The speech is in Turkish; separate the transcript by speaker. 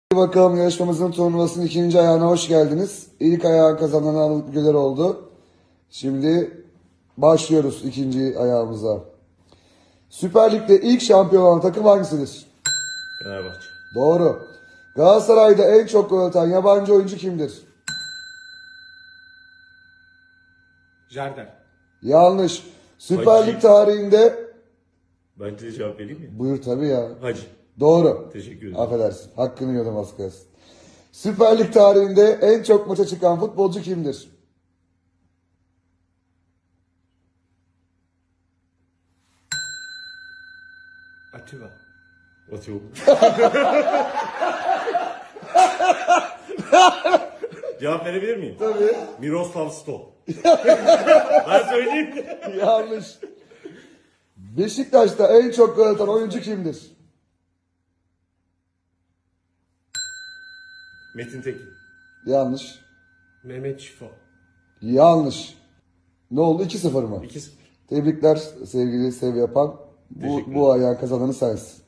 Speaker 1: Bakalım yarışmamızın turnuvasının ikinci ayağına hoş geldiniz. İlk ayağı kazanan Anıl Güler oldu. Şimdi başlıyoruz ikinci ayağımıza. Süper Lig'de ilk şampiyon olan takım hangisidir?
Speaker 2: Fenerbahçe.
Speaker 1: Doğru. Galatasaray'da en çok gol atan yabancı oyuncu kimdir?
Speaker 3: Jardel.
Speaker 1: Yanlış. Süper
Speaker 2: Hacı.
Speaker 1: Lig tarihinde...
Speaker 2: Ben de cevap vereyim mi?
Speaker 1: Buyur tabii ya.
Speaker 2: Hacı.
Speaker 1: Doğru.
Speaker 2: Teşekkür ederim.
Speaker 1: Affedersin. Hakkını yiyordum az kalsın. Süper Lig tarihinde en çok maça çıkan futbolcu kimdir?
Speaker 3: Atiba.
Speaker 2: Atıyor. Cevap verebilir miyim?
Speaker 1: Tabii.
Speaker 2: Miroslav Stoh. Ben söyleyeyim.
Speaker 1: Yanlış. Beşiktaş'ta en çok gol atan oyuncu kimdir?
Speaker 2: Metin Tekin.
Speaker 1: Yanlış.
Speaker 3: Mehmet Şifo.
Speaker 1: Yanlış. Ne oldu? 2-0 mı?
Speaker 2: 2-0.
Speaker 1: Tebrikler sevgili sev yapan.
Speaker 2: Teşekkür
Speaker 1: Bu ayağın kazananı sensin.